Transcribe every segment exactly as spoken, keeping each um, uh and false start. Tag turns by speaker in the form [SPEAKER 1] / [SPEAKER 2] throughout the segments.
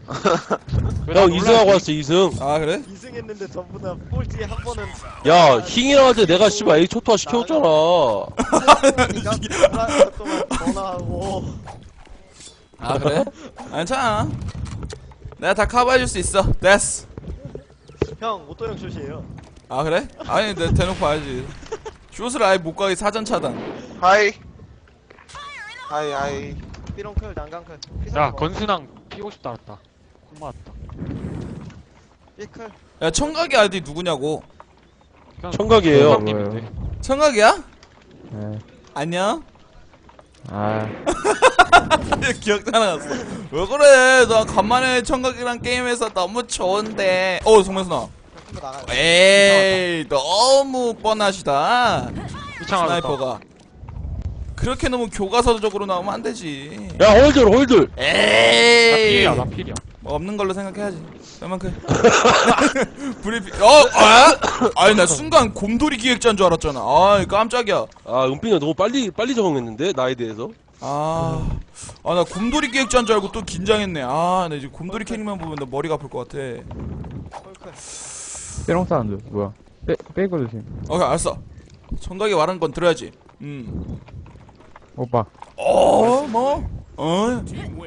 [SPEAKER 1] 형 이승하고 왔어 이승.
[SPEAKER 2] 아 그래?
[SPEAKER 3] 이승했는데 전부 다 꼴찌에 한 번은
[SPEAKER 1] 야 힝이라한테 내가 씨발 A 초토화 시켜줬잖아.
[SPEAKER 3] 니가 불안한 동안 전화하고.
[SPEAKER 2] 아 그래? 괜찮아. 내가 다 커버해줄 수 있어. 됐어.
[SPEAKER 3] 형 오토형 슛이에요.
[SPEAKER 2] 아 그래? 아니 내가 대놓고 봐야지. 슛을 아예 못 가게 사전 차단.
[SPEAKER 4] 하이 하이 하이
[SPEAKER 3] 삐롱클 난강클.
[SPEAKER 5] 야 건순왕 피고 싶다 알았다. 콩 맞았다.
[SPEAKER 3] 삐클.
[SPEAKER 2] 야 청각이 아이디 누구냐고.
[SPEAKER 1] 청각이에요.
[SPEAKER 5] 님인데.
[SPEAKER 2] 청각이야?
[SPEAKER 6] 네.
[SPEAKER 2] 안녕?
[SPEAKER 6] 아,
[SPEAKER 2] 기억 나갔어. 왜 그래? 나 간만에 청각이랑 게임해서 너무 좋은데. 어 성명순아.
[SPEAKER 3] 나가요.
[SPEAKER 2] 에이 너무 뻔하시다.
[SPEAKER 5] 이창
[SPEAKER 2] 스나이퍼가. 그렇게 너무 교과서적으로 나오면 안 되지.
[SPEAKER 1] 야 홀들 홀들.
[SPEAKER 5] 나
[SPEAKER 2] 에이.
[SPEAKER 5] 필이야 나 필이야.
[SPEAKER 2] 뭐 없는 걸로 생각해야지. 그만큼. 브리핑. 어, 아, 아니 나 순간 곰돌이 기획자인 줄 알았잖아. 아, 깜짝이야.
[SPEAKER 1] 아 은빈이 너무 빨리 빨리 적응했는데 나에 대해서.
[SPEAKER 2] 아, 아 나 곰돌이 기획자인 줄 알고 또 긴장했네. 아, 나 이제 곰돌이 캐릭만 보면 나 머리가 아플 것 같아.
[SPEAKER 3] 콜클.
[SPEAKER 6] 삐롱 사운드. 뭐야? 빼, 빼고 조심.
[SPEAKER 2] 오케이, 알았어. 청각이 말한 건 들어야지. 음.
[SPEAKER 6] 오빠.
[SPEAKER 2] 어, 뭐? 어?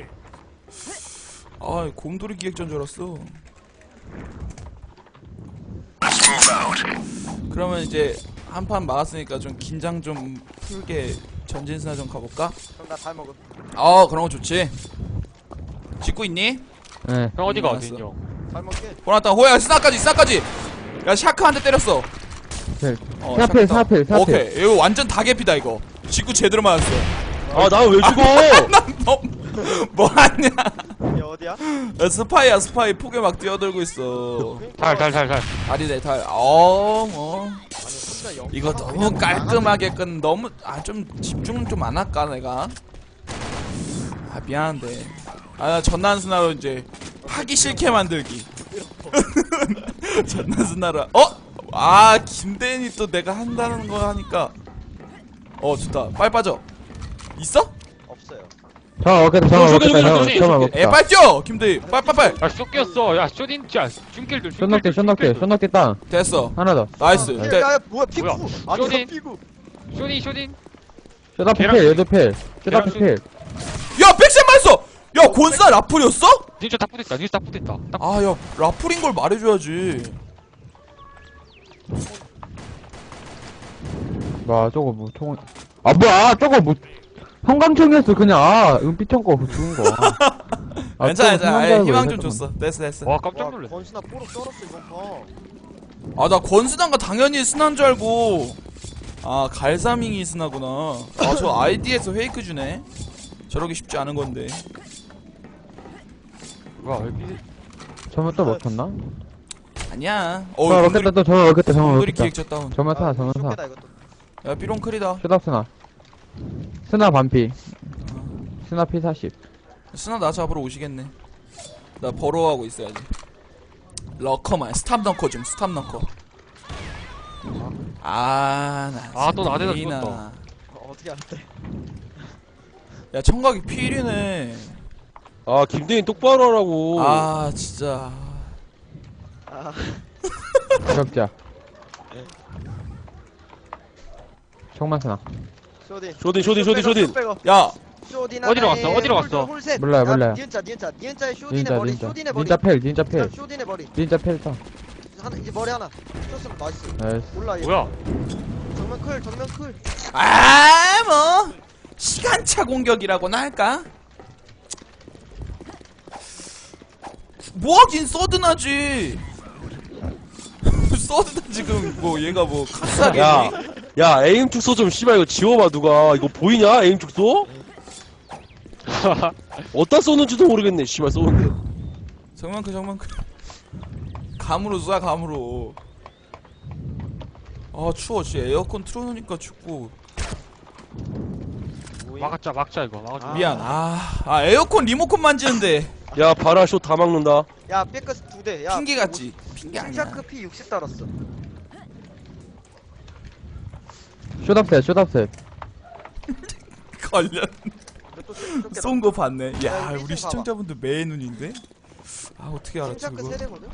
[SPEAKER 2] 아, 곰돌이 기획자인 줄 알았어. 그러면 이제 한 판 막았으니까 좀 긴장 좀 풀게 전진스나 좀 가볼까?
[SPEAKER 3] 그럼 나 잘 먹음.
[SPEAKER 2] 어, 그런 거 좋지. 짓고 있니?
[SPEAKER 6] 네.
[SPEAKER 5] 형 어디가
[SPEAKER 2] 음,
[SPEAKER 5] 어디 형?
[SPEAKER 3] 잘 먹게.
[SPEAKER 2] 보났다. 호야, 스나까지, 스나까지. 야, 샤크 한 대 때렸어.
[SPEAKER 6] 네.
[SPEAKER 2] 어,
[SPEAKER 6] 사필,
[SPEAKER 2] 샤크
[SPEAKER 6] 사필,
[SPEAKER 2] 다운.
[SPEAKER 6] 사필.
[SPEAKER 2] 오케이, 이거 완전 다개피다 이거. 짓고 제대로 맞았어.
[SPEAKER 1] 아 나 왜 죽어?
[SPEAKER 2] 너 뭐하냐?
[SPEAKER 3] 얘 어디야?
[SPEAKER 2] 야, 스파이야, 스파이. 폭에 막 뛰어들고 있어.
[SPEAKER 5] 달달달달.
[SPEAKER 2] 다리네, 달. 어, 뭐.
[SPEAKER 3] 아니 혼자 영.
[SPEAKER 2] 이거 너무 깔끔하게 끝. 너무 아 좀 집중 좀 안 할까 내가? 아 미안한데. 아 전난스나로 이제 하기 싫게 만들기. 전난스나로. 어? 아 김대인이 또 내가 한다는 거 하니까. 어 좋다. 빨리 빠져. 있어?
[SPEAKER 3] 없어요.
[SPEAKER 6] 정말 먹겠다, 정말
[SPEAKER 1] 쇼, 쇼,
[SPEAKER 6] 먹겠다,
[SPEAKER 1] 쇼,
[SPEAKER 6] 정말,
[SPEAKER 5] 쇼,
[SPEAKER 6] 정말
[SPEAKER 5] 쇼,
[SPEAKER 6] 먹겠다.
[SPEAKER 2] 에 빨리 뛰어 김대인. 빨리 빨리 빨리.
[SPEAKER 5] 야 쇼끼였어. 야 쇼딘 야 쭌길들.
[SPEAKER 6] 쇼넉대, 쇼넉대, 쇼넉대 땅.
[SPEAKER 2] 됐어.
[SPEAKER 6] 하나 더.
[SPEAKER 2] 나이스.
[SPEAKER 3] 야,
[SPEAKER 2] 대-
[SPEAKER 3] 야, 뭐야 피구?
[SPEAKER 5] 뭐야?
[SPEAKER 3] 아니
[SPEAKER 5] 쇼딘.
[SPEAKER 3] 피구.
[SPEAKER 5] 쇼딘 쇼딘.
[SPEAKER 6] 쇼다피
[SPEAKER 5] 계란
[SPEAKER 6] 필, 얘도 필. 쇼다피
[SPEAKER 5] 계란
[SPEAKER 6] 필.
[SPEAKER 2] 야 백샷 맞았어. 야 곤사 라플이었어?
[SPEAKER 5] 진짜 딱 붙었다. 진짜 딱 붙었다. 딱.
[SPEAKER 2] 아 야 라플인 걸 말해줘야지.
[SPEAKER 6] 와, 저거 뭐, 총. 아, 뭐야, 저거 뭐. 형광총이었어, 그냥. 아, 은빛총 거, 죽은 거. 아,
[SPEAKER 2] 괜찮아
[SPEAKER 6] 저거
[SPEAKER 2] 괜찮아. 아이,
[SPEAKER 6] 생각나고
[SPEAKER 2] 희망
[SPEAKER 6] 왜
[SPEAKER 2] 좀
[SPEAKER 6] 잠깐만.
[SPEAKER 2] 줬어. 됐어 됐어.
[SPEAKER 5] 와 깜짝
[SPEAKER 3] 와
[SPEAKER 5] 놀랐어.
[SPEAKER 3] 건수나 뽀록 썰었어 이번 판.
[SPEAKER 2] 아 나 권스단가 당연히 스나인 줄 알고. 아 갈사밍이 스나구나. 아 저 아이디에서 페이크 주네. 저러기 쉽지 않은 건데.
[SPEAKER 5] 뭐야 왜 비?
[SPEAKER 6] 저만 또 먹혔나?
[SPEAKER 2] 아니야. 어
[SPEAKER 6] 정말 먹겠다, 또 정말 먹겠다, 정말
[SPEAKER 2] 곰돌이
[SPEAKER 6] 먹겠다.
[SPEAKER 2] 기획자 다운.
[SPEAKER 6] 정말 사,
[SPEAKER 3] 아,
[SPEAKER 6] 정말 사.
[SPEAKER 3] 쇼케다 이것도.
[SPEAKER 2] 야 삐롱클이다.
[SPEAKER 6] 쇼답스나. 스나 반피. 스나 피 사십.
[SPEAKER 2] 스나 나 잡으러 오시겠네. 나 버로하고 있어야지. 러커만 스탑 덩커 좀 스탑 덩커. 아나
[SPEAKER 5] 아, 또 나대다 죽었다.
[SPEAKER 3] 어, 어떻게 알았대?
[SPEAKER 2] 야 청각이 필이네.
[SPEAKER 1] 아 김대인 똑바로 하라고.
[SPEAKER 2] 아 진짜.
[SPEAKER 3] 아
[SPEAKER 6] 가격자. 정말 스나.
[SPEAKER 3] 쇼딘.
[SPEAKER 1] 쇼딘 쇼딘 쇼딘 쇼딘.
[SPEAKER 2] 야
[SPEAKER 3] 쇼딘
[SPEAKER 5] 어디로
[SPEAKER 3] 하나에
[SPEAKER 5] 갔어? 어디로
[SPEAKER 3] 홀,
[SPEAKER 5] 갔어?
[SPEAKER 3] 홀셋.
[SPEAKER 6] 몰라요,
[SPEAKER 3] 야,
[SPEAKER 6] 몰라요.
[SPEAKER 3] 니은자 니은자 니은자의 쇼딘의
[SPEAKER 6] 닌자,
[SPEAKER 3] 머리
[SPEAKER 6] 닌자.
[SPEAKER 3] 쇼딘의 머리.
[SPEAKER 6] 닌자 펠, 닌자 펠.
[SPEAKER 3] 쇼딘의 머리.
[SPEAKER 6] 닌자 펠 땅.
[SPEAKER 3] 하나 이제 머리 하나. 쇼스는 나이스.
[SPEAKER 6] 나이스.
[SPEAKER 3] 몰라 얘.
[SPEAKER 5] 뭐야?
[SPEAKER 3] 정면 클 정면 클.
[SPEAKER 2] 아, 뭐 시간차 공격이라고나 할까? 뭐하긴 서든하지. 서든하 지금 뭐 얘가 뭐 카스하게.
[SPEAKER 1] 야, 야 에임 축소 좀 씨발 이거 지워봐 누가. 이거 보이냐 에임 축소? 어디다 쏘는지도 모르겠네 씨발 쏘는데.
[SPEAKER 2] 정만크 정만크. 감으로 쏴 감으로. 아 추워. 씨 에어컨 틀어놓으니까 춥고.
[SPEAKER 5] 막았자 막자 이거 막아줘.
[SPEAKER 3] 아.
[SPEAKER 2] 미안. 아, 아 에어컨 리모컨 만지는데
[SPEAKER 1] 야 바라 쇼 다 막는다.
[SPEAKER 3] 야 삐끗 두 대. 야
[SPEAKER 2] 핑계 같지? 핑계 아니야.
[SPEAKER 3] 킹샤크 피 육십 달았어.
[SPEAKER 6] 쇼답셋, 쇼답셋.
[SPEAKER 2] 관련
[SPEAKER 3] 또 쇼- 쇼케다.
[SPEAKER 2] 쏜 거 봤네. 야
[SPEAKER 3] 야,
[SPEAKER 2] 우리
[SPEAKER 3] 삐끗
[SPEAKER 2] 시청자분들 매의 눈인데. 아 어떻게 알았지
[SPEAKER 3] 킹샤크
[SPEAKER 2] 그거?
[SPEAKER 3] 세대거든?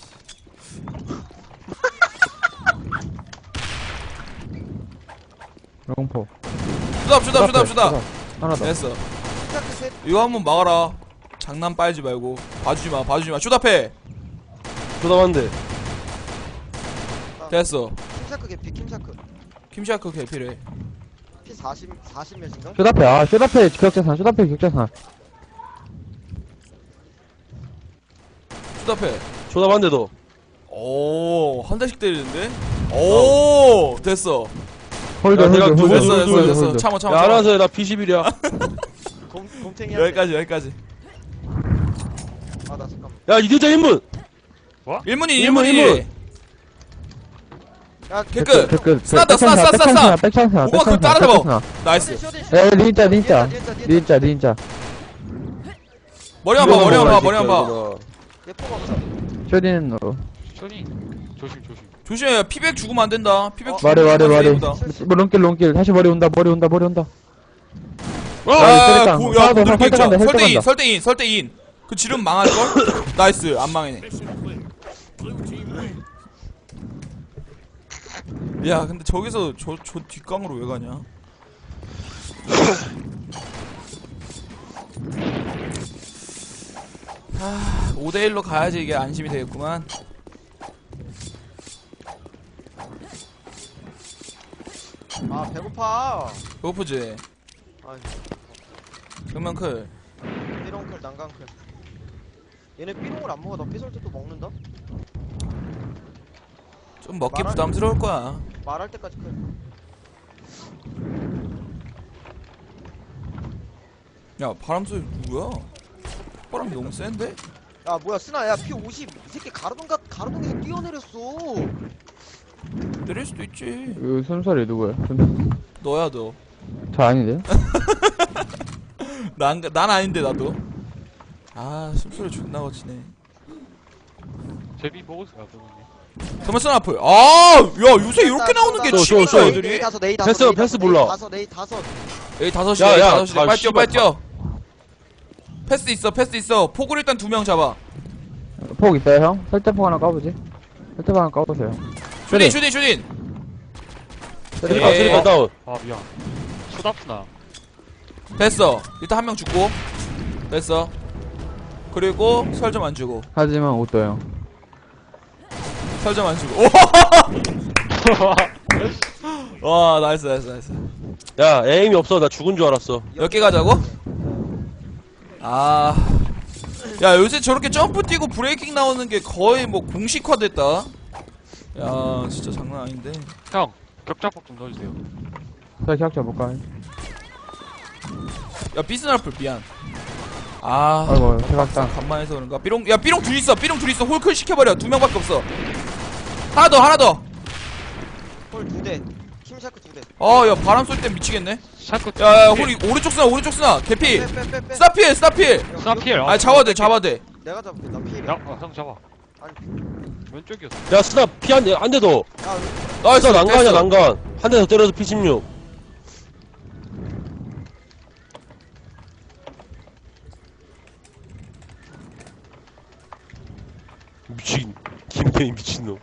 [SPEAKER 6] 롱포.
[SPEAKER 2] 슈답 슈답 슈답 슈답.
[SPEAKER 6] 하나 더.
[SPEAKER 2] 됐어.
[SPEAKER 3] 킹샤크 세
[SPEAKER 2] 이거 한번 막아라. 장난 빨지 말고 봐주지 마 봐주지 마. 슈답해.
[SPEAKER 1] 쇼답한데.
[SPEAKER 2] 됐어.
[SPEAKER 3] 킹샤크 개피 킹샤크
[SPEAKER 2] 킴샤크 개필해.
[SPEAKER 3] 피 사십 사십 몇인가?
[SPEAKER 6] 쇼다페, 아, 쇼다페 격자산, 쇼다페 격자산.
[SPEAKER 2] 슈답해.
[SPEAKER 1] 쇼답한데도.
[SPEAKER 2] 오, 한 대씩 때리는데? 오, 됐어.
[SPEAKER 6] 홀드,
[SPEAKER 1] 야, 내가
[SPEAKER 6] 홀드,
[SPEAKER 1] 두
[SPEAKER 6] 홀드,
[SPEAKER 1] 번
[SPEAKER 2] 됐어,
[SPEAKER 1] 홀드,
[SPEAKER 2] 됐어,
[SPEAKER 1] 홀드,
[SPEAKER 2] 됐어.
[SPEAKER 6] 홀드.
[SPEAKER 2] 참아, 참아.
[SPEAKER 1] 야,
[SPEAKER 2] 참아.
[SPEAKER 1] 알아서 해. 나 피십일이야.
[SPEAKER 3] 곰, 곰탱이한테
[SPEAKER 2] 여기까지, 여기까지.
[SPEAKER 3] 아나 잠깐만
[SPEAKER 1] 야, 이대자 인문!
[SPEAKER 2] 일문이,
[SPEAKER 1] 일문,
[SPEAKER 2] 일문이.
[SPEAKER 1] 일문.
[SPEAKER 3] 야
[SPEAKER 2] 개끝.
[SPEAKER 6] 댓글.
[SPEAKER 2] 스나다, 스나, 스나, 스나, 스나.
[SPEAKER 6] 백찬스나,
[SPEAKER 2] 오마 그거 따라잡아. 나이스.
[SPEAKER 6] 야, 닌자, 닌자. 닌자, 닌자.
[SPEAKER 2] 머리 한 봐, 머리 한 봐, 머리 한 봐.
[SPEAKER 3] 얘포가 없어
[SPEAKER 6] 쇼디는 너.
[SPEAKER 5] 쇼니 조심 조심.
[SPEAKER 2] 조심해, 피백 죽으면 안 된다. 피백
[SPEAKER 3] 어,
[SPEAKER 2] 죽으면
[SPEAKER 6] 말해, 말해, 말해.
[SPEAKER 2] 세이브다.
[SPEAKER 6] 뭐, 롱길, 롱길. 다시 머리 온다, 머리 온다, 머리 온다.
[SPEAKER 2] 아,
[SPEAKER 6] 아,
[SPEAKER 2] 고,
[SPEAKER 6] 야,
[SPEAKER 2] 야, 고들
[SPEAKER 6] 설득한다,
[SPEAKER 2] 겠죠. 설대인,
[SPEAKER 6] 설득한다.
[SPEAKER 2] 설대인, 설대인. 그 지름 망할걸? 나이스, 안 망해네. 야, 근데 저기서 저, 저 뒷강으로 왜 가냐? 하, 오 대 일로 가야지 이게 안심이 되겠구만.
[SPEAKER 3] 아 배고파
[SPEAKER 2] 배고프지?
[SPEAKER 3] 아니
[SPEAKER 2] 정면 클.
[SPEAKER 3] 삐롱클 난강클 얘네 삐롱을 안 먹어 나 삐설 때 또 먹는다?
[SPEAKER 2] 좀 먹기
[SPEAKER 3] 말하-
[SPEAKER 2] 부담스러울 거야.
[SPEAKER 3] 말할 때까지 클
[SPEAKER 2] 야, 바람 소리 누구야? 바람이 너무 센데?
[SPEAKER 3] 야 뭐야 스나 야 피 오십 이 새끼 가로등가 가로등에서 뛰어내렸어
[SPEAKER 2] 때릴 수도 있지.
[SPEAKER 6] 이 순서리 누구야? 순-
[SPEAKER 2] 너야 너.
[SPEAKER 6] 저 아닌데?
[SPEAKER 2] 난, 난 아닌데 나도. 아, 숨소리 존나 거치네.
[SPEAKER 5] 제비 먹으세요 그분이.
[SPEAKER 2] 더머슨 앞을. 아, 야 요새 이렇게 나오는 게
[SPEAKER 1] 또, 또,
[SPEAKER 2] 취미다
[SPEAKER 1] 또.
[SPEAKER 3] 네이
[SPEAKER 2] 애들이.
[SPEAKER 3] 다섯 네이 다섯
[SPEAKER 1] 패스,
[SPEAKER 3] 네이
[SPEAKER 1] 패스
[SPEAKER 3] 다섯,
[SPEAKER 1] 몰라.
[SPEAKER 3] 네이 다섯 네이 다섯
[SPEAKER 2] 에이 다섯이야.
[SPEAKER 1] 야,
[SPEAKER 2] 에이
[SPEAKER 1] 야,
[SPEAKER 2] 다섯이야.
[SPEAKER 1] 다
[SPEAKER 2] 빨리 뛰어,
[SPEAKER 1] 씨발
[SPEAKER 2] 빨리 뛰어. 패스 있어, 패스 있어. 폭을 일단 두 명 잡아.
[SPEAKER 6] 폭 있어요, 형? 설대폭 하나 까보지. 설대폭 하나 까보세요.
[SPEAKER 2] 슈딘, 슈딘, 슈딘.
[SPEAKER 1] 쓰리파,
[SPEAKER 2] 에이.
[SPEAKER 1] 쓰리파 다운.
[SPEAKER 5] 아 미안. 쇼답스나.
[SPEAKER 2] 됐어. 일단 한 명 죽고. 됐어. 그리고 설 좀 안 주고.
[SPEAKER 6] 하지만 옷도 형.
[SPEAKER 2] 설 좀 안 주고. 오! 와, 나이스, 나이스, 나이스.
[SPEAKER 1] 야, 에임이 없어. 나 죽은 줄 알았어.
[SPEAKER 2] 몇 개 가자고? 아. 야, 요새 저렇게 점프 뛰고 브레이킹 나오는 게 거의 뭐 공식화 됐다. 야, 진짜 장난 아닌데.
[SPEAKER 5] 형 격자폭 좀 넣어주세요.
[SPEAKER 6] 자, 기억자 볼까?
[SPEAKER 2] 야, 비스나플 미안. 아.
[SPEAKER 6] 아이고, 대각당.
[SPEAKER 2] 간만에 해서 그런가? 삐롱, 야, 삐롱 둘 있어. 삐롱 둘 있어. 홀클 시켜버려. 두 명밖에 없어. 하나 더, 하나 더.
[SPEAKER 3] 홀 두대 킴샤크 두대
[SPEAKER 2] 어, 야, 바람 쏠 때 미치겠네.
[SPEAKER 5] 샤크.
[SPEAKER 2] 야, 야, 홀이, 오른쪽 스나, 오른쪽 스나. 개피.
[SPEAKER 3] 빼빼빼빼
[SPEAKER 2] 스나필, 스나필.
[SPEAKER 5] 스나필.
[SPEAKER 2] 아, 잡아야 돼, 잡아야 돼.
[SPEAKER 3] 내가 잡을게 나 피해
[SPEAKER 5] 야, 어, 형 잡아.
[SPEAKER 3] 아니
[SPEAKER 5] 왼쪽이었어.
[SPEAKER 1] 야, 스나 피 한 대, 한 대 더.
[SPEAKER 3] 야
[SPEAKER 2] 나이스,
[SPEAKER 1] 스나 난간이야,
[SPEAKER 2] 됐어.
[SPEAKER 1] 난간. 한 대 더 때려서 피 십육. 미친. 김태희 미친놈.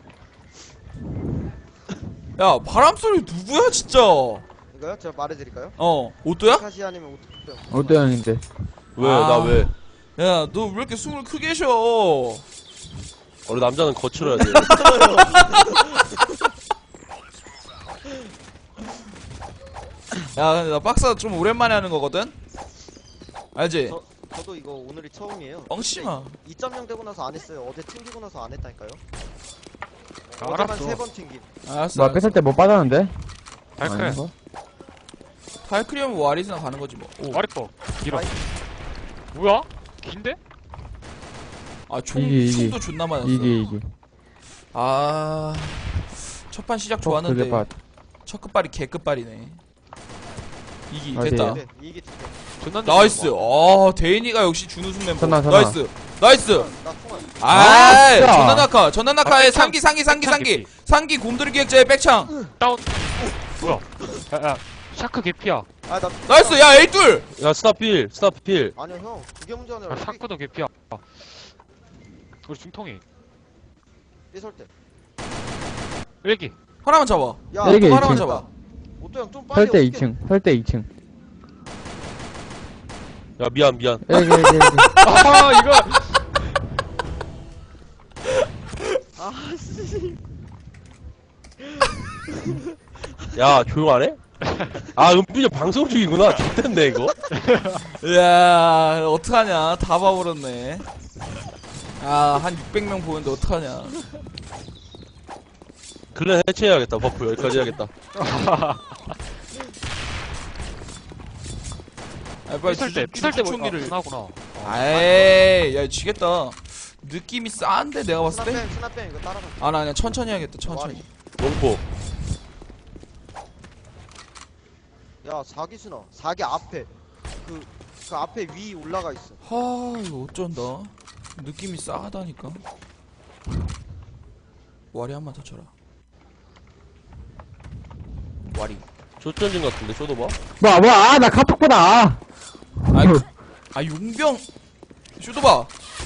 [SPEAKER 2] 야, 바람 소리 누구야, 진짜?
[SPEAKER 3] 이거요? 제가 말해드릴까요?
[SPEAKER 2] 어, 오또야?
[SPEAKER 3] 카시 아니면 오토
[SPEAKER 6] 옷도 형인데.
[SPEAKER 1] 왜,
[SPEAKER 2] 아.
[SPEAKER 1] 나 왜?
[SPEAKER 2] 야, 너 왜 이렇게 숨을 크게 쉬어?
[SPEAKER 1] 원래 남자는 거칠어야 돼.
[SPEAKER 2] 야, 근데 나 박사 좀 오랜만에 하는 거거든? 알지?
[SPEAKER 3] 저, 저도 이거 오늘이 처음이에요
[SPEAKER 2] 엉심아.
[SPEAKER 3] 이 점 영 되고 나서 안 했어요 어제 튕기고 나서 안 했다니까요
[SPEAKER 5] 아,
[SPEAKER 3] 어제만
[SPEAKER 5] 알았어.
[SPEAKER 3] 세 번 튕김
[SPEAKER 2] 알았어.
[SPEAKER 6] 뭐, 뺐을 때 뭐 빠졌는데?
[SPEAKER 5] 발클.
[SPEAKER 6] 아닌가?
[SPEAKER 2] 탈크리엄 와리스나 가는 거지 뭐. 오.
[SPEAKER 5] 와리퍼. 길어.
[SPEAKER 3] 아이.
[SPEAKER 5] 뭐야? 긴데?
[SPEAKER 2] 아, 총,
[SPEAKER 6] 이게, 이게.
[SPEAKER 2] 총도 존나 맞았어.
[SPEAKER 6] 이게, 이게.
[SPEAKER 2] 아. 첫판 시작
[SPEAKER 6] 폭
[SPEAKER 2] 좋았는데.
[SPEAKER 6] 그래, 빠.
[SPEAKER 2] 첫 끝발이 개 끝발이네. 이기,
[SPEAKER 6] 어디에요?
[SPEAKER 2] 됐다.
[SPEAKER 3] 네, 이게 두대
[SPEAKER 5] 존나
[SPEAKER 2] 나이스. 아, 대인이가 역시 준우승 멤버.
[SPEAKER 6] 전화, 전화.
[SPEAKER 2] 나이스. 나이스.
[SPEAKER 3] 나 통화
[SPEAKER 2] 아,
[SPEAKER 6] 진짜.
[SPEAKER 2] 전난낙하. 전난낙하의
[SPEAKER 5] 아, 백창.
[SPEAKER 2] 상기, 상기, 상기,
[SPEAKER 5] 백창
[SPEAKER 2] 상기.
[SPEAKER 5] 개피.
[SPEAKER 2] 상기 곰돌이 기획자의 백창.
[SPEAKER 5] 다운. 뭐야? 야, 야. 샤크 개피야.
[SPEAKER 3] 아나
[SPEAKER 2] 나이스. 야, 에이둘.
[SPEAKER 1] 야, 스나 필, 스나 필.
[SPEAKER 3] 아니요 형 그게 문제 아니라
[SPEAKER 5] 아, 샤크도 개피야. 아, 우리 중통이.
[SPEAKER 3] 삐설 때.
[SPEAKER 5] 일기.
[SPEAKER 2] 하나만 잡아.
[SPEAKER 3] 야,
[SPEAKER 6] 네 개,
[SPEAKER 2] 하나만
[SPEAKER 6] 이 층.
[SPEAKER 2] 잡아.
[SPEAKER 3] 오토 형좀 빨리.
[SPEAKER 6] 설대
[SPEAKER 3] 어떻게-
[SPEAKER 6] 이 층. 설대 이 층.
[SPEAKER 1] 야 미안 미안.
[SPEAKER 6] 여기, 여기, 여기.
[SPEAKER 5] 아, 이거.
[SPEAKER 3] 아 씨.
[SPEAKER 1] 야 조용하네? 아 은빈이 형 방송 중이구나. 좋댄데 이거.
[SPEAKER 2] 이야, 어떡하냐. 다 봐버렸네. 아, 한 육백 명 보는데 어떡하냐.
[SPEAKER 1] 클랜 해체해야겠다. 버프 여기까지 해야겠다.
[SPEAKER 2] 아, 빨리
[SPEAKER 5] 삐설 때,
[SPEAKER 2] 주-
[SPEAKER 5] 삐설 때
[SPEAKER 2] 주총기를.
[SPEAKER 5] 보니까 나구나.
[SPEAKER 2] 에이, 야, 지겠다. 느낌이 싸한데, 내가 봤을 때?
[SPEAKER 3] 스나뱀 스나뱀 이거 따라가.
[SPEAKER 2] 아, 나 그냥 천천히 해야겠다, 천천히.
[SPEAKER 1] 롱포.
[SPEAKER 3] 야 사기 스나. 사기 앞에. 그, 그 앞에 위 올라가 있어.
[SPEAKER 2] 하, 이거 어쩐다. 느낌이 싸하다니까. 와리 한 번 더 쳐라. 와리.
[SPEAKER 1] 조전진 같은데 쇼도 봐.
[SPEAKER 6] 뭐야, 뭐야, 아, 나 카톡 보다. 아.
[SPEAKER 2] 아, 그, 아, 용병. 슈도 봐.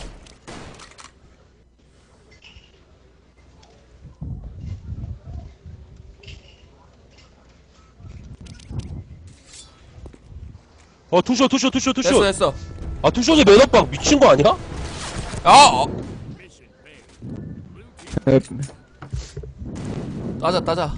[SPEAKER 1] 어 투쇼 투쇼 투쇼
[SPEAKER 2] 됐어,
[SPEAKER 1] 투쇼.
[SPEAKER 2] 됐어.
[SPEAKER 1] 아 투쇼에 매너박 미친 거 아니야?
[SPEAKER 2] 아! 어.
[SPEAKER 6] 에,
[SPEAKER 2] 따자, 따자.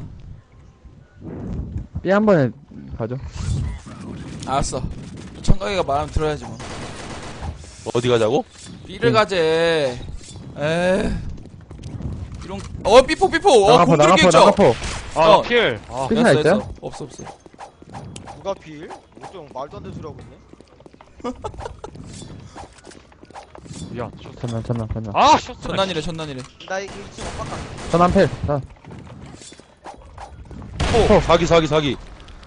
[SPEAKER 6] B 한 번에 가죠.
[SPEAKER 2] 알았어. 청각이가 말하면 들어야지 뭐.
[SPEAKER 1] 어디 가자고?
[SPEAKER 2] B를 가재. 에이. 이런, 어, 삐포, 삐포. 어,
[SPEAKER 6] 나가포,
[SPEAKER 2] 공들기
[SPEAKER 6] 나가포,
[SPEAKER 2] 있죠?
[SPEAKER 6] 나가포.
[SPEAKER 5] 아,
[SPEAKER 2] 어.
[SPEAKER 5] 필. 아,
[SPEAKER 6] 끝나
[SPEAKER 2] 됐어,
[SPEAKER 6] 있어요?
[SPEAKER 2] 됐어. 없어, 없어.
[SPEAKER 3] 누가 필? 오토 형 말도 안 되는 소리 하고 있네.
[SPEAKER 5] 미안. 쇼-
[SPEAKER 6] 전난, 전난, 전난.
[SPEAKER 5] 아, 쇼트.
[SPEAKER 2] 전난이래, 전난이래.
[SPEAKER 3] 나 이거 이 층 오빠 가.
[SPEAKER 6] 전난 필. 자,
[SPEAKER 1] 포. 사기 사기 사기.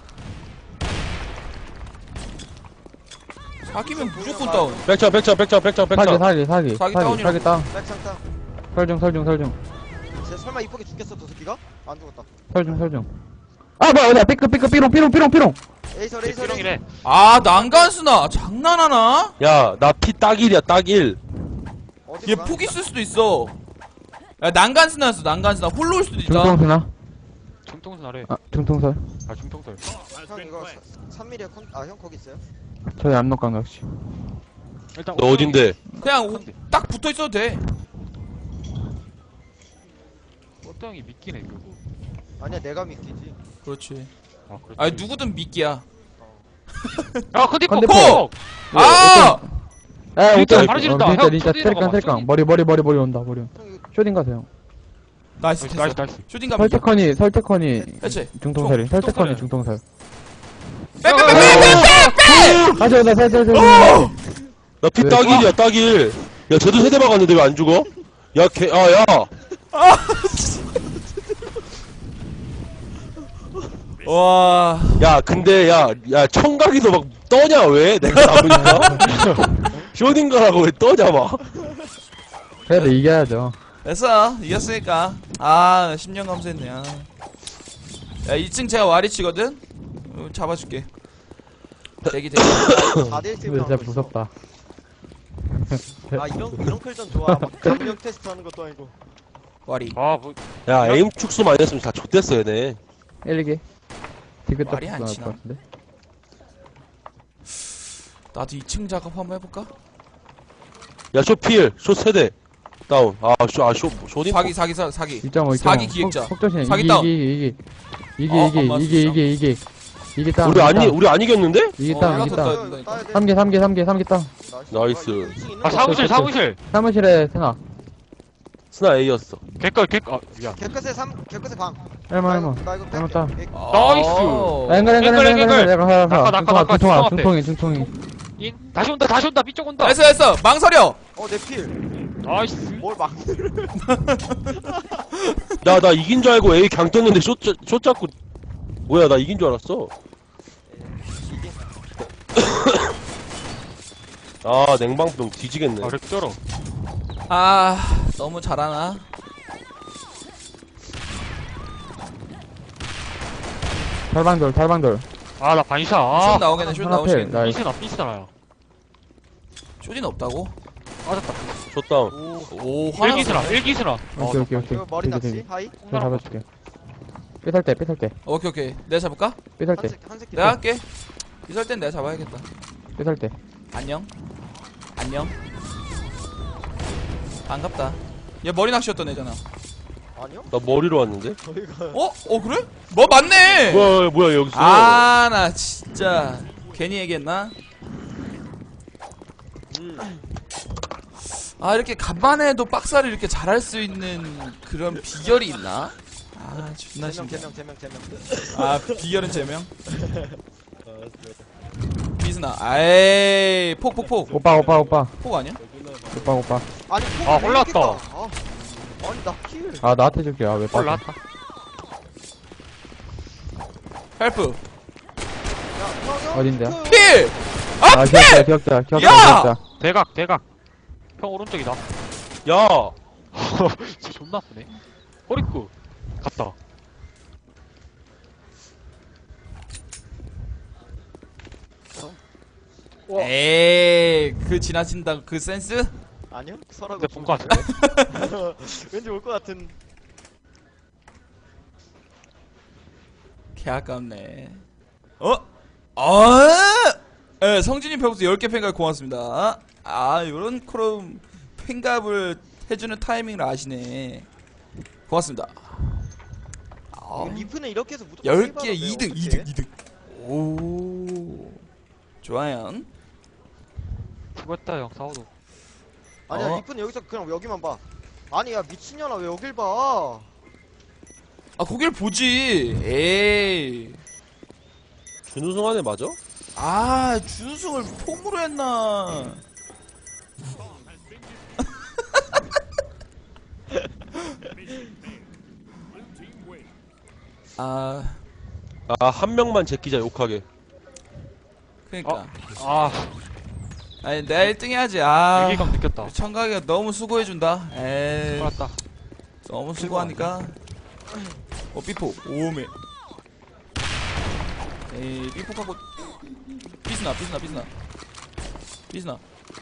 [SPEAKER 2] 사기면 무조건 다운.
[SPEAKER 1] 백창 백창 백창 백창
[SPEAKER 6] 사기,
[SPEAKER 1] 백창.
[SPEAKER 6] 사기, 사기.
[SPEAKER 2] 사기
[SPEAKER 6] 사기,
[SPEAKER 2] 다운이라고.
[SPEAKER 6] 사기 다운.
[SPEAKER 3] 백창탕.
[SPEAKER 6] 설중, 설중, 설중.
[SPEAKER 3] 쟤 설마 이쁘게 죽겠어 저 새끼가? 안 죽었다.
[SPEAKER 6] 설중, 설중. 아, 뭐야, 어디야, 삐끗, 삐끗, 삐롱, 삐롱, 삐롱, 삐롱.
[SPEAKER 3] 에이설 에이설 에이설.
[SPEAKER 5] 삐롱이래.
[SPEAKER 2] 아, 난간스나. 장난하나?
[SPEAKER 1] 야 나 피 딱 일이야 딱 일.
[SPEAKER 3] 어디
[SPEAKER 2] 얘
[SPEAKER 3] 가?
[SPEAKER 2] 폭 있을 수도 있어. 야, 난간스나였어, 난간스나. 홀로 올 수도 있다.
[SPEAKER 6] 중통수나?
[SPEAKER 5] 중통선하래.
[SPEAKER 6] 아, 중통설.
[SPEAKER 5] 아, 중통선.
[SPEAKER 3] 형 이거 삼 밀리야 컨. 아 형 거기 있어요?
[SPEAKER 6] 저희 압록강각시.
[SPEAKER 5] 일단
[SPEAKER 1] 너 어딘데?
[SPEAKER 2] 그냥 오- 딱 붙어 있어도 돼.
[SPEAKER 5] 어떤 형이 믿기네, 결국.
[SPEAKER 3] 아니야 내가 믿기지.
[SPEAKER 2] 그렇지.
[SPEAKER 5] 아, 그렇지.
[SPEAKER 2] 아니, 누구든 미끼야.
[SPEAKER 5] 아, 컨디포.
[SPEAKER 6] 컨디포.
[SPEAKER 5] 포!
[SPEAKER 2] 아!
[SPEAKER 6] 에,
[SPEAKER 5] 진짜
[SPEAKER 6] 어떤-
[SPEAKER 5] 바로 지른다.
[SPEAKER 6] 어, 진짜,
[SPEAKER 5] 형,
[SPEAKER 6] 진짜,
[SPEAKER 5] 쇼딩
[SPEAKER 6] 체리깡,
[SPEAKER 5] 봐봐,
[SPEAKER 6] 체리깡.
[SPEAKER 5] 쇼딩.
[SPEAKER 6] 머리, 머리, 머리, 머리 온다, 머리.
[SPEAKER 3] 형 이거
[SPEAKER 6] 쇼딩 가세요.
[SPEAKER 2] 나이스,
[SPEAKER 5] 나이스,
[SPEAKER 2] 됐어.
[SPEAKER 5] 나이스, 나이스.
[SPEAKER 2] 슈팅 가면 이겨.
[SPEAKER 6] 설태커니, 설태커니,
[SPEAKER 2] 그렇지.
[SPEAKER 6] 중통설이.
[SPEAKER 2] 중-
[SPEAKER 6] 설태커니,
[SPEAKER 2] 중통설이야.
[SPEAKER 6] 중통설.
[SPEAKER 2] 빼빼빼빼빼빼!
[SPEAKER 6] 가져, 나, 나, 나, 나, 나.
[SPEAKER 1] 나 피
[SPEAKER 6] 왜?
[SPEAKER 1] 딱 일이야 딱 일. 야 쟤도 세대 박았는데 왜 안 죽어? 야 개 아 야.
[SPEAKER 2] 와.
[SPEAKER 1] 야 근데 야 야 청각이도 막 떠냐 왜? 내가 나보니까. 쇼딩가라고 왜 떠냐 막.
[SPEAKER 6] 그래도 이겨야죠.
[SPEAKER 2] 됐어. 이겼으니까. 아, 십 년 감수했네. 아. 야, 이 층 제가 와리치거든? 어, 잡아줄게. 대기, 대기.
[SPEAKER 3] 사 대 일 팀
[SPEAKER 6] 근데
[SPEAKER 3] 하고
[SPEAKER 6] 진짜
[SPEAKER 3] 있어.
[SPEAKER 6] 무섭다.
[SPEAKER 3] 아 이런 이런 클전 좋아. 막 감력 테스트 하는 것도 아니고.
[SPEAKER 2] 와리.
[SPEAKER 5] 아, 뭐.
[SPEAKER 1] 야 에임 축소 많이 했으면 다 좆됐어 얘네.
[SPEAKER 6] 일기. 디귿
[SPEAKER 2] 말이 안
[SPEAKER 6] 나올
[SPEAKER 2] 치나?
[SPEAKER 6] 것 같은데.
[SPEAKER 2] 나도 이 층 작업 한번 해볼까?
[SPEAKER 1] 야 쇼필 쇼 세대 다운. 아쇼아쇼 쇼딩.
[SPEAKER 2] 사기, 사기, 사- 사기.
[SPEAKER 6] 이 점 오, 이 점 오.
[SPEAKER 2] 사기 기획자.
[SPEAKER 6] 속조신
[SPEAKER 2] 사기
[SPEAKER 6] 이기,
[SPEAKER 2] 다운.
[SPEAKER 6] 이기, 이기, 이기,
[SPEAKER 2] 어,
[SPEAKER 6] 이기,
[SPEAKER 2] 엄마
[SPEAKER 6] 이기,
[SPEAKER 2] 진짜.
[SPEAKER 6] 이기, 이기, 이기 땅.
[SPEAKER 1] 우리 아니 우리 안 이겼는데?
[SPEAKER 6] 이기
[SPEAKER 2] 어,
[SPEAKER 6] 땅,
[SPEAKER 2] 내가
[SPEAKER 6] 이기
[SPEAKER 2] 더
[SPEAKER 6] 땅.
[SPEAKER 2] 떠야 된다니까.
[SPEAKER 3] 따야 돼.
[SPEAKER 6] 삼 개, 삼 개, 삼 개, 삼 개 땅.
[SPEAKER 1] 나이스.
[SPEAKER 5] 아, 사무실, 사무실.
[SPEAKER 6] 사무실에 세나.
[SPEAKER 1] 스나 A였어.
[SPEAKER 5] 개걸, 개걸. 아, 미안.
[SPEAKER 3] 개끝에 삼 개끝에 방.
[SPEAKER 6] 얼마, 얼마.
[SPEAKER 3] 나 이거
[SPEAKER 6] 얼마
[SPEAKER 3] 뺄게.
[SPEAKER 6] 땅.
[SPEAKER 3] 백-
[SPEAKER 5] 나이스.
[SPEAKER 2] 아.
[SPEAKER 6] 앵글, 앵글, 앵글, 앵글, 앵글. 내가 하라,
[SPEAKER 5] 낙하, 낙하, 낙하,
[SPEAKER 6] 중통아,
[SPEAKER 5] 중통 앞에.
[SPEAKER 6] 중통이, 중통이.
[SPEAKER 5] 인? 다시 온다, 다시 온다, 삐쪽 온다.
[SPEAKER 2] 됐어, 됐어. 망설여.
[SPEAKER 3] 어, 내 필.
[SPEAKER 5] 나이스.
[SPEAKER 3] 뭘 막.
[SPEAKER 1] 나 나 이긴 줄 알고 A 강 떴는데 쇼, 짜- 쇼 잡고 뭐야 나 이긴 줄 알았어. 아 냉방병 뒤지겠네.
[SPEAKER 5] 아, 렉 쩔어.
[SPEAKER 2] 아, 너무 잘하나?
[SPEAKER 6] 달방돌, 달방돌.
[SPEAKER 5] 아, 나 반샷.
[SPEAKER 2] 슛
[SPEAKER 5] 아,
[SPEAKER 2] 나오겠네, 슛
[SPEAKER 6] 하나 필.
[SPEAKER 2] 나오시겠네.
[SPEAKER 6] 나이스.
[SPEAKER 5] 삐스나, 삐스나야.
[SPEAKER 2] 슛이 없다고?
[SPEAKER 5] 맞았다.
[SPEAKER 1] 줬다운.
[SPEAKER 2] 오 화났어.
[SPEAKER 5] 일기스나, 일기스나. 어,
[SPEAKER 6] 오케이 오케이 오케이.
[SPEAKER 3] 이거 머리
[SPEAKER 6] 되게,
[SPEAKER 3] 낚시
[SPEAKER 6] 되게.
[SPEAKER 3] 하이
[SPEAKER 6] 내가 잡아줄게. 삐살 때 삐살 때
[SPEAKER 2] 오케이 오케이 내가 잡을까?
[SPEAKER 6] 삐살 때
[SPEAKER 3] 한색 한색
[SPEAKER 2] 내가 할게. 이럴 땐 내가 잡아야겠다.
[SPEAKER 6] 삐살 때.
[SPEAKER 2] 안녕. 안녕. 반갑다. 얘 머리 낚시였던 애잖아.
[SPEAKER 3] 아니요?
[SPEAKER 1] 나 머리로 왔는데?
[SPEAKER 3] 저희가
[SPEAKER 2] 어? 어 그래? 뭐 맞네.
[SPEAKER 1] 뭐야 뭐야 여기 있어.
[SPEAKER 2] 아 나 진짜 괜히 얘기했나? 아 이렇게 간만에 해도 박사를 이렇게 잘할 수 있는 그런 비결이 있나? 아 존나
[SPEAKER 3] 제명
[SPEAKER 2] 신기해.
[SPEAKER 3] 제명 제명 제명
[SPEAKER 2] 아 비결은 제명? 비스나 아이 폭폭폭
[SPEAKER 6] 오빠 오빠 오빠
[SPEAKER 2] 폭 아니야?
[SPEAKER 6] 오빠 오빠.
[SPEAKER 3] 아니
[SPEAKER 5] 아,
[SPEAKER 3] 왜
[SPEAKER 5] 올라왔다.
[SPEAKER 3] 이렇게 까? 아, 아니 나킬
[SPEAKER 6] 아 나한테 줄게. 아왜
[SPEAKER 5] 헐
[SPEAKER 6] 빠져?
[SPEAKER 5] 나왔다.
[SPEAKER 2] 헬프
[SPEAKER 6] 어딘데?
[SPEAKER 2] 필!
[SPEAKER 6] 아
[SPEAKER 2] 아
[SPEAKER 6] 기억자
[SPEAKER 2] 필!
[SPEAKER 6] 기억자 기억자
[SPEAKER 2] 야!
[SPEAKER 6] 기억자.
[SPEAKER 5] 대각, 대각. 형 오른쪽이다.
[SPEAKER 1] 야.
[SPEAKER 5] 진짜 존나 아프네. 허리쿠. 갔다.
[SPEAKER 2] 에이 그 지나친다 그 센스?
[SPEAKER 3] 아니요? 설하고
[SPEAKER 5] 근데 본거 같은데?
[SPEAKER 3] 왠지 올 것 같은
[SPEAKER 2] 개 아깝네. 어? 아! 예, 성진이 벽부터 열 개 팬갑 고맙습니다. 아, 요런 크롬 팬갑을 해주는 타이밍을 아시네. 고맙습니다. 아,
[SPEAKER 3] 이거 리프는 이렇게 해서 무조건
[SPEAKER 2] 열
[SPEAKER 3] 세이브
[SPEAKER 2] 개
[SPEAKER 3] 하던데요,
[SPEAKER 2] 이 등,
[SPEAKER 3] 어떡해?
[SPEAKER 2] 이 등, 이 등. 오. 좋아요.
[SPEAKER 5] 수고했다 형, 사오도.
[SPEAKER 3] 아니야
[SPEAKER 2] 어?
[SPEAKER 3] 리프는 여기서 그냥 여기만 봐 아니 야 미친년아 왜 여길 봐
[SPEAKER 2] 아, 거길 보지. 에이.
[SPEAKER 1] 준우승 안에 맞아?
[SPEAKER 2] 아, 준우승을 폼으로 했나. 아,
[SPEAKER 1] 아 한 명만 제끼자 욕하게.
[SPEAKER 2] 그니까.
[SPEAKER 5] 아,
[SPEAKER 2] 아니, 내가 일 등 해야지. 아.
[SPEAKER 5] 위기감 느꼈다.
[SPEAKER 2] 청각이가 너무 수고해준다. 에이.
[SPEAKER 5] 살았다.
[SPEAKER 2] 너무 수고하니까. 어, 삐포. 오메. 에이, 삐포하고. 삐스나, 삐스나, 삐스나. 삐스나.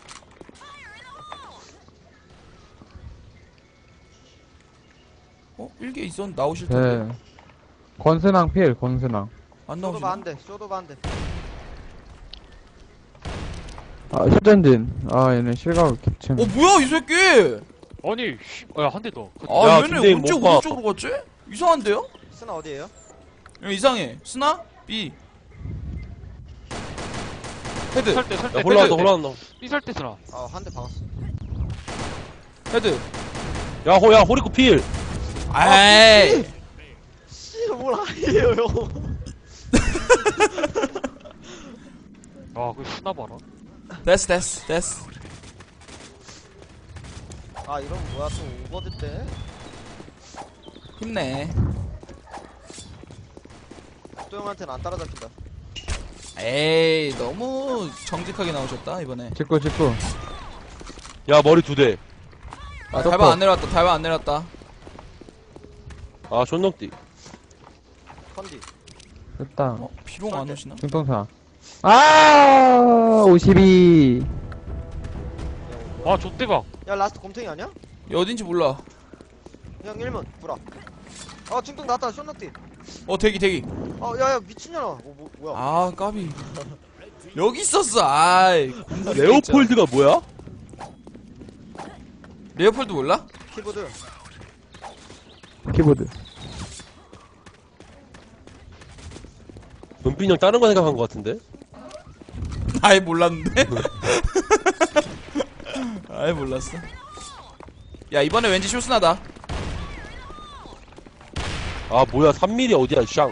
[SPEAKER 2] 어? 일개 있었, 나오실 텐데.
[SPEAKER 6] 네. 권순왕 필 권순왕.
[SPEAKER 2] 안
[SPEAKER 3] 쇼도
[SPEAKER 2] 나오시나?
[SPEAKER 3] 반대 쇼도 반대
[SPEAKER 6] 아 쇼전진. 아 얘네 실각을 겹치네.
[SPEAKER 2] 어, 뭐야, 이 새끼!
[SPEAKER 5] 아니, 씨, 야, 한 대 더.
[SPEAKER 2] 아,
[SPEAKER 1] 야,
[SPEAKER 2] 얘네
[SPEAKER 1] 김대인
[SPEAKER 2] 언제
[SPEAKER 1] 못 봐.
[SPEAKER 2] 오른쪽으로 갔지? 이상한데요?
[SPEAKER 3] 스나 어디에요?
[SPEAKER 2] 야, 이상해. 스나? B. 헤드,
[SPEAKER 5] 설대, 설대.
[SPEAKER 1] 야 올라간다
[SPEAKER 2] 헤드.
[SPEAKER 1] 올라간다.
[SPEAKER 5] 삐설대 쓰나.
[SPEAKER 3] 아 한 대 박았어
[SPEAKER 2] 헤드.
[SPEAKER 1] 야 호야 호리코 필.
[SPEAKER 2] 아이.
[SPEAKER 3] 씨뭘 아니에요 형
[SPEAKER 5] 아, 그 쓰나 봐라.
[SPEAKER 2] 됐어, 됐어, 됐어.
[SPEAKER 3] 아 이러면 뭐야 또 오버드 때
[SPEAKER 2] 힘내.
[SPEAKER 3] 또 형한테는 안 따라잡힌다
[SPEAKER 2] 에이, 너무 정직하게 나오셨다, 이번에.
[SPEAKER 6] 직구 직구.
[SPEAKER 1] 야 머리 두 대.
[SPEAKER 2] 아,
[SPEAKER 6] 아,
[SPEAKER 2] 달방 안 내려왔다, 달방 안 내려왔다.
[SPEAKER 1] 아 존넉띠.
[SPEAKER 3] 컨디
[SPEAKER 6] 됐다.
[SPEAKER 2] 어, 비룡 안 오시나?
[SPEAKER 6] 중통사. 아 오십이.
[SPEAKER 5] 아, 좆대박.
[SPEAKER 3] 야 라스트 곰탱이 아니야?
[SPEAKER 2] 얘 어딘지 몰라.
[SPEAKER 3] 형 일 문 불아 아 중통 났다 쇼너티
[SPEAKER 2] 어, 대기, 대기.
[SPEAKER 3] 아 야야 미친년아 어, 뭐, 뭐야
[SPEAKER 2] 아, 까비. 여기 있었어, 아이.
[SPEAKER 1] 레오폴드가 뭐야?
[SPEAKER 2] 레오폴드 몰라?
[SPEAKER 3] 키보드
[SPEAKER 6] 키보드.
[SPEAKER 1] 은빈이 형 다른 거 생각한 거 같은데?
[SPEAKER 2] 아예 몰랐는데? 아예 몰랐어. 야, 이번에 왠지 쇼스나다.
[SPEAKER 1] 아 뭐야 삼 밀리미터 어디야 샹.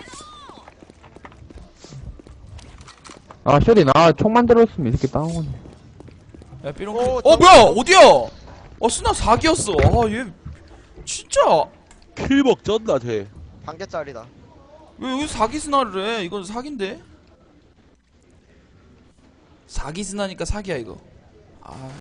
[SPEAKER 6] 아 쇼리 나총 만들었으면 이렇게 따오네.
[SPEAKER 2] 야, 삐롱.
[SPEAKER 3] 오,
[SPEAKER 2] 어, 뭐야? 어디야? 어, 스나 사 기였어. 아, 얘. 진짜.
[SPEAKER 1] 킬벅 쩐다 쟤.
[SPEAKER 3] 반개짜리다
[SPEAKER 2] 왜 여기 사기 스나를 해? 이건 사기인데? 사기 스나니까 사기야, 이거. 아.